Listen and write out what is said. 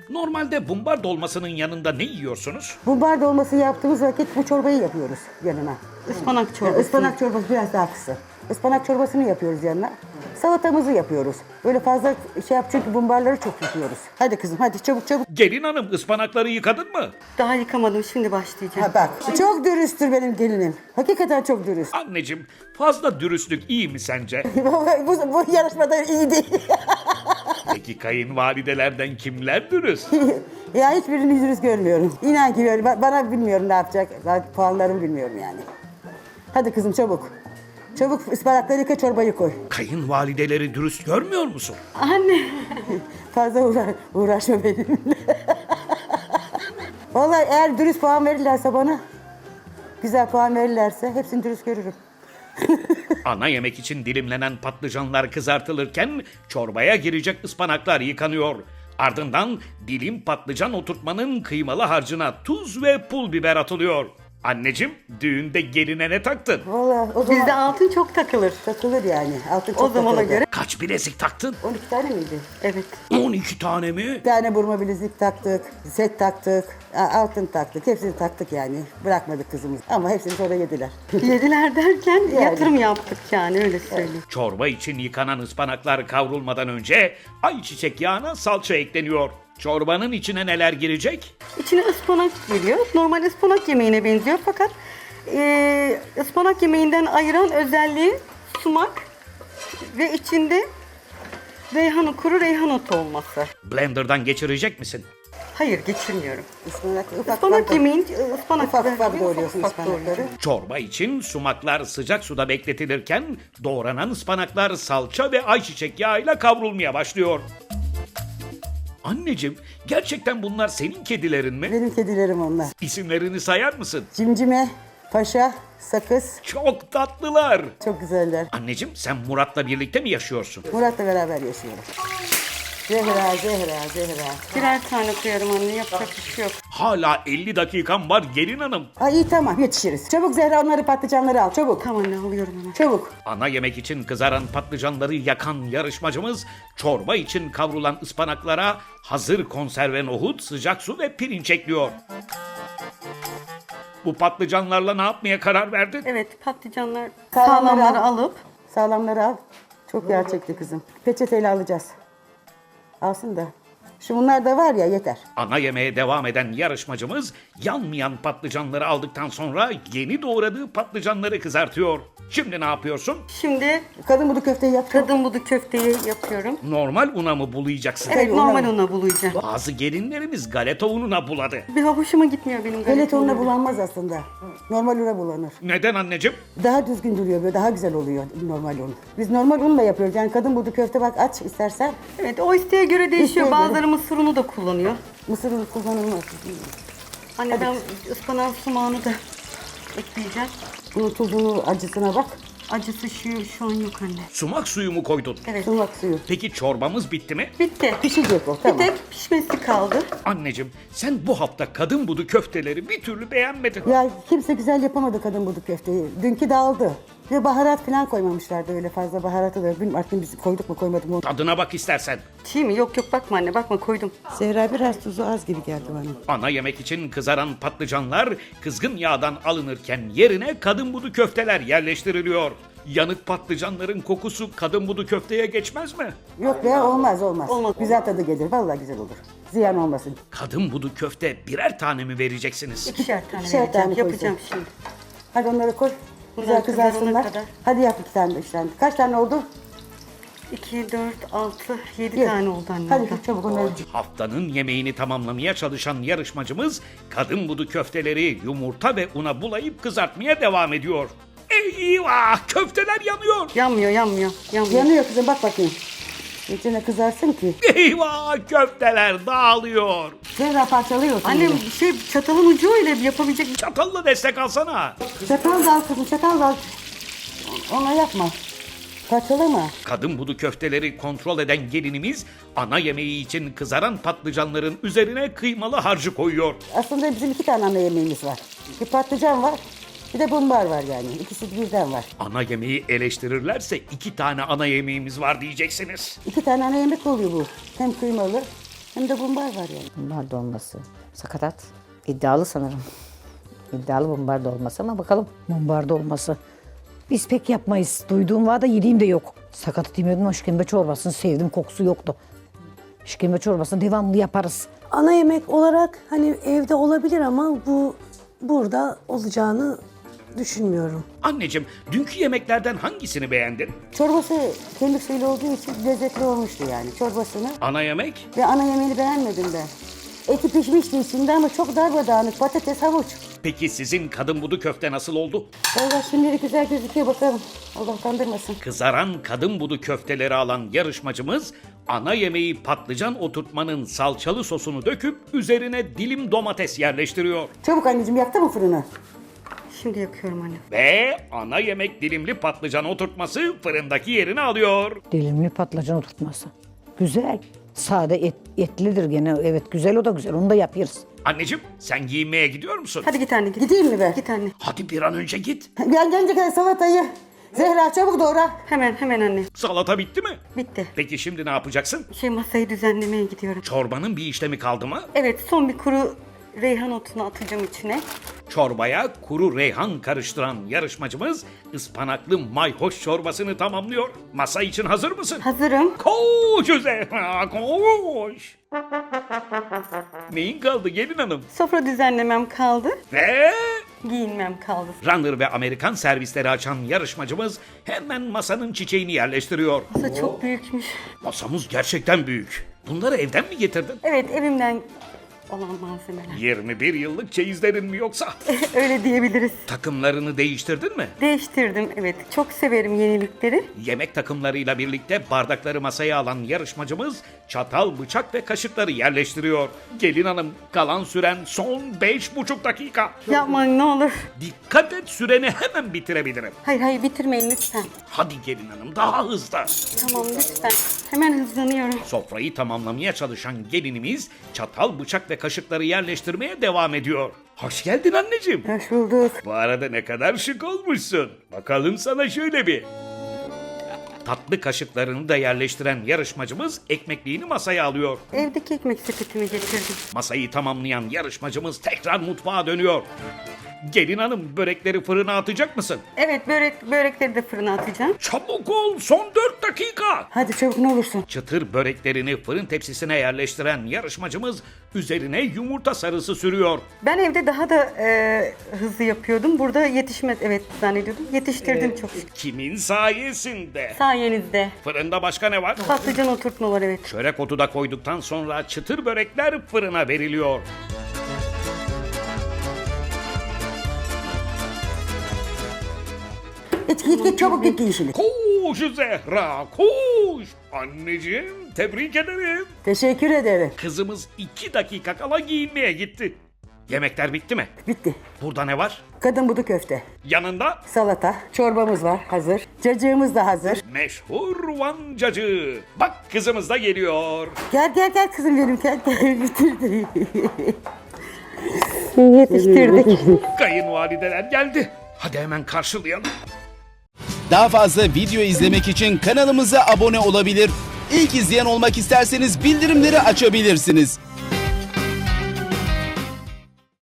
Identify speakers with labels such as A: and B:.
A: normalde bumbar dolmasının yanında ne yiyorsunuz?
B: Bumbar dolması yaptığımız vakit bu çorbayı yapıyoruz yanına.
C: Ispanak çorbası.
B: Ispanak çorbası biraz daha kısa. Ispanak çorbasını yapıyoruz yanına. Salatamızı yapıyoruz. Böyle fazla şey yap çünkü bumbarları çok yapıyoruz. Hadi kızım hadi çabuk çabuk.
A: Gelin hanım, ıspanakları yıkadın mı?
C: Daha yıkamadım, şimdi başlayacağım.
B: Ha bak çok dürüsttür benim gelinim. Hakikaten çok dürüst.
A: Anneciğim, fazla dürüstlük iyi mi sence?
B: bu yarışmada iyi değil.
A: Peki kayınvalidelerden kimler dürüst?
B: Ya hiçbirini dürüst görmüyorum. İnan ki böyle bana bilmiyorum ne yapacak. Ben puanlarımı bilmiyorum yani. Hadi kızım çabuk. Çabuk ıspanakları yıka çorbayı koy.
A: Kayınvalideleri dürüst görmüyor musun?
C: Anne.
B: Fazla uğraşma benimle. Vallahi eğer dürüst puan verirlerse bana, güzel puan verirlerse hepsini dürüst görürüm.
A: Ana yemek için dilimlenen patlıcanlar kızartılırken çorbaya girecek ıspanaklar yıkanıyor. Ardından dilim patlıcan oturtmanın kıymalı harcına tuz ve pul biber atılıyor. Anneciğim, düğünde geline ne taktın?
B: Vallahi o zaman
C: Bizde altın çok takılır.
B: takılır yani. Altın çok
C: O zamana
B: takılır.
C: göre.
A: Kaç bilezik taktın?
B: 12 tane miydi?
C: Evet.
A: 12 tane mi?
B: Bir tane burma bilezik taktık, set taktık, altın taktık. Hepsini taktık yani. Bırakmadık kızımız. Ama hepsini sonra yediler.
C: Yediler derken
B: Yani.
C: yatırım yaptık yani, öyle söyleyeyim.
A: Çorba için yıkanan ıspanaklar kavrulmadan önce ayçiçek yağına salça ekleniyor. Çorbanın içine neler girecek?
C: İçine ıspanak giriyor. Normal ıspanak yemeğine benziyor fakat ıspanak yemeğinden ayıran özelliği sumak ve içinde kuru reyhan otu olması.
A: Blender'dan geçirecek misin?
C: Hayır, geçirmiyorum.
B: Ispanak
C: Ispanak yemeğin ıspanak
B: ufak ufak doğruyorsun
C: ufak
B: ıspanakları.
C: doğruyorum.
A: Çorba için sumaklar sıcak suda bekletilirken doğranan ıspanaklar salça ve ayçiçek yağıyla kavrulmaya başlıyor. Anneciğim, gerçekten bunlar senin kedilerin mi?
B: Benim kedilerim onlar.
A: İsimlerini sayar mısın?
B: Cimcime, paşa, sakız.
A: Çok tatlılar.
B: Çok güzeller.
A: Anneciğim, sen Murat'la birlikte mi yaşıyorsun?
B: Murat'la beraber yaşıyorum. Zehra.
C: Birer tane koyarım anne, yapacak bir şey yok.
A: Hala 50 dakikam var gelin hanım.
B: Ay iyi tamam yetişiriz. Çabuk Zehra onları patlıcanları al çabuk.
C: Tamam anne, alıyorum hemen.
B: Çabuk.
A: Ana yemek için kızaran patlıcanları yakan yarışmacımız çorba için kavrulan ıspanaklara hazır konserve nohut, sıcak su ve pirinç ekliyor. Bu patlıcanlarla ne yapmaya karar verdin?
C: Evet, patlıcanlar
B: Sağlamları
C: sağlamları
B: al.
C: alıp
B: Sağlamları al. Çok yağ çekti kızım. Peçeteyle alacağız. Alsın da. Şu bunlar da var ya yeter.
A: Ana yemeğe devam eden yarışmacımız yanmayan patlıcanları aldıktan sonra yeni doğradığı patlıcanları kızartıyor. Şimdi ne yapıyorsun?
C: şimdi
B: Kadın budu köfteyi yap.
C: kadın budu köfteyi yapıyorum.
A: Normal una mı bulayacaksın?
C: Evet,
B: Tabii,
C: normal
B: una.
C: una bulayacağım.
A: Bazı gelinlerimiz galeta ununa buladı.
C: Bir hoşuma gitmiyor benim
B: Pelet
C: galeta
B: ununa
C: unu.
B: bulanmaz aslında. Normal una bulanır.
A: Neden anneciğim?
B: Daha düzgün duruyor böyle daha güzel oluyor normal un. Biz normal unla yapıyoruz. Yani kadın budu köfte bak aç istersen.
C: Evet, o isteğe göre değişiyor.
B: İsteğe göre.
C: Bazıları mısır unu da kullanıyor.
B: Mısır unu kullanılmaz.
C: Anne ben ıspanak sumağını da ekleyeceğim.
B: Bunun tuzunu acısına bak.
C: Acısı şu an yok anne.
A: Sumak suyu mu koydun?
C: Evet.
B: Sumak suyu.
A: Peki çorbamız bitti mi?
C: Bitti.
B: Pişecek o
C: Bir
B: tamam.
C: tek pişmesi kaldı.
A: Anneciğim, sen bu hafta kadın budu köfteleri bir türlü beğenmedin.
B: Ya kimse güzel yapamadı kadın budu köfteyi. Dünkü dağıldı. Ve baharat falan koymamışlardı öyle fazla baharatı da. Bilmiyorum artık biz koyduk mu koymadık mı.
A: Tadına bak istersen.
C: Çiğ mi? Yok bakma anne, bakma, koydum.
B: Zehra biraz tuzu az gibi geldi bana.
A: Ana yemek için kızaran patlıcanlar kızgın yağdan alınırken yerine kadın budu köfteler yerleştiriliyor. Yanık patlıcanların kokusu kadın budu köfteye geçmez mi?
B: Yok be olmaz.
C: Olmaz.
B: Güzel tadı gelir vallahi güzel olur. Ziyan olmasın.
A: Kadın budu köfte birer tane mi vereceksiniz?
C: İkişer tane
B: İkişer
C: vereceğim.
B: tane koyacağım.
C: Yapacağım şimdi.
B: Hadi onları koy. Güzel
C: Bunlar kızarana
B: kızarsınlar.
C: kadar.
B: Hadi yap 2 tane 3 tane. Kaç tane oldu?
C: 2, 4, 6, 7
B: Ye.
C: tane oldu anne.
B: Hadi
C: orada.
B: çabuk onları.
A: Haftanın yemeğini tamamlamaya çalışan yarışmacımız kadın budu köfteleri yumurta ve una bulayıp kızartmaya devam ediyor. Eyvah! Köfteler yanıyor!
C: Yanmıyor.
B: Yanıyor kızım bak bakayım. İçine kızarsın ki.
A: Eyvah! Köfteler dağılıyor.
B: Zehra parçalıyorsun.
C: Annem
B: bunu.
C: çatalın ucu öyle yapabilecek.
A: Çatalla destek alsana.
B: Çatal da al kızım çatal da al. Ona yapma. Parçalama.
A: Kadın budu köfteleri kontrol eden gelinimiz ana yemeği için kızaran patlıcanların üzerine kıymalı harcı koyuyor.
B: Aslında bizim 2 tane ana yemeğimiz var. Bir patlıcan var. Bir de bumbar var yani. İkisi birden var.
A: Ana yemeği eleştirirlerse 2 tane ana yemeğimiz var diyeceksiniz.
B: 2 tane ana yemek oluyor bu. Hem kıymalı hem de bumbar var yani.
D: Bumbar dolması. Sakatat. İddialı sanırım. İddialı bumbar dolması ama bakalım. Bumbar dolması. Biz pek yapmayız. Duyduğum var da yediğim de yok. Sakatat yemiyordum ama işkembe çorbasını sevdim. Kokusu yoktu. İşkembe çorbasını devamlı yaparız.
E: Ana yemek olarak hani evde olabilir ama bu burada olacağını düşünmüyorum.
A: Anneciğim, dünkü yemeklerden hangisini beğendin?
B: Çorbası kemik suylu olduğu için lezzetli olmuştu yani çorbasını.
A: Ana yemek?
B: Ve ana yemeğini beğenmedim ben. Eti pişmişti içinde ama çok darbadağınık. Patates, havuç.
A: Peki sizin kadın budu köfte nasıl oldu?
B: Valla şimdilik güzel gözüküyor bakalım. Allah kandırmasın.
A: Kızaran kadın budu köfteleri alan yarışmacımız ana yemeği patlıcan oturtmanın salçalı sosunu döküp üzerine dilim domates yerleştiriyor.
B: Çabuk anneciğim yaktı mı fırını?
C: Şimdi yakıyorum anne.
A: Ve ana yemek dilimli patlıcan oturtması fırındaki yerini alıyor.
D: Dilimli patlıcan oturtması. Güzel. Sade etlidir gene. Evet güzel, o da güzel. Onu da yapıyoruz.
A: Anneciğim, sen giyinmeye gidiyor musun?
C: Hadi git anne git.
B: Gideyim mi be?
C: Git anne.
A: Hadi bir an önce git.
B: Ben gelince kadar salatayı. Zehra çabuk doğra.
C: Hemen anne.
A: Salata bitti mi?
C: Bitti.
A: Peki şimdi ne yapacaksın?
C: Masayı düzenlemeye gidiyorum.
A: Çorbanın bir işlemi kaldı mı?
C: Evet, son bir kuru reyhan otunu atacağım içine.
A: Çorbaya kuru reyhan karıştıran yarışmacımız ıspanaklı mayhoş çorbasını tamamlıyor. Masa için hazır mısın?
C: Hazırım.
A: Koş Zehra, koş. Neyin kaldı gelin hanım?
C: Sofra düzenlemem kaldı.
A: Ve
C: Giyinmem kaldı.
A: runner ve Amerikan servisleri açan yarışmacımız hemen masanın çiçeğini yerleştiriyor.
C: Masa çok büyükmüş.
A: Masamız gerçekten büyük. Bunları evden mi getirdin?
C: Evet, evimden olan malzemeler.
A: 21 yıllık çeyizlerin mi yoksa?
C: Öyle diyebiliriz.
A: Takımlarını değiştirdin mi?
C: Değiştirdim, evet. Çok severim yenilikleri.
A: Yemek takımlarıyla birlikte bardakları masaya alan yarışmacımız çatal, bıçak ve kaşıkları yerleştiriyor. Gelin hanım, kalan süren son 5,5 dakika.
C: Yapmayın ne olur.
A: Dikkat et, süreni hemen bitirebilirim.
C: Hayır bitirmeyin lütfen.
A: Hadi gelin hanım, daha hızlı.
C: Tamam lütfen. Hemen hızlanıyorum.
A: Sofrayı tamamlamaya çalışan gelinimiz çatal, bıçak ve kaşıkları yerleştirmeye devam ediyor. Hoş geldin anneciğim.
B: Hoş bulduk.
A: Bu arada ne kadar şık olmuşsun. Bakalım sana şöyle bir. Tatlı kaşıklarını da yerleştiren yarışmacımız ekmekliğini masaya alıyor.
C: Evdeki ekmek sepetimi getirdim.
A: Masayı tamamlayan yarışmacımız tekrar mutfağa dönüyor. Gelin hanım, börekleri fırına atacak mısın?
C: Evet, börekleri de fırına atacağım.
A: Çabuk ol, son 4 dakika.
B: Hadi çabuk ne olursun.
A: Çıtır böreklerini fırın tepsisine yerleştiren yarışmacımız üzerine yumurta sarısı sürüyor.
C: Ben evde daha da hızlı yapıyordum. Burada yetişmez, evet zannediyordum. Yetiştirdim çok şükür.
A: Kimin sayesinde?
C: Sayenizde.
A: Fırında başka ne var?
C: Patlıcan oturtma var, evet.
A: Çörek otu da koyduktan sonra çıtır börekler fırına veriliyor.
B: Git çabuk git giyin şimdi.
A: Koş Zehra, koş. Anneciğim, tebrik ederim.
B: Teşekkür ederim.
A: Kızımız 2 dakika kala giyinmeye gitti. Yemekler bitti mi?
B: Bitti.
A: Burada ne var?
B: Kadın budu köfte.
A: Yanında
B: Salata. Çorbamız var hazır. Cacığımız da hazır.
A: meşhur Van cacığı. Bak kızımız da geliyor.
B: Gel kızım benim gel. Bitirdi.
C: Yetiştirdik.
A: Kayınvalideler geldi. Hadi hemen karşılayalım.
F: Daha fazla video izlemek için kanalımıza abone olabilir. İlk izleyen olmak isterseniz bildirimleri açabilirsiniz.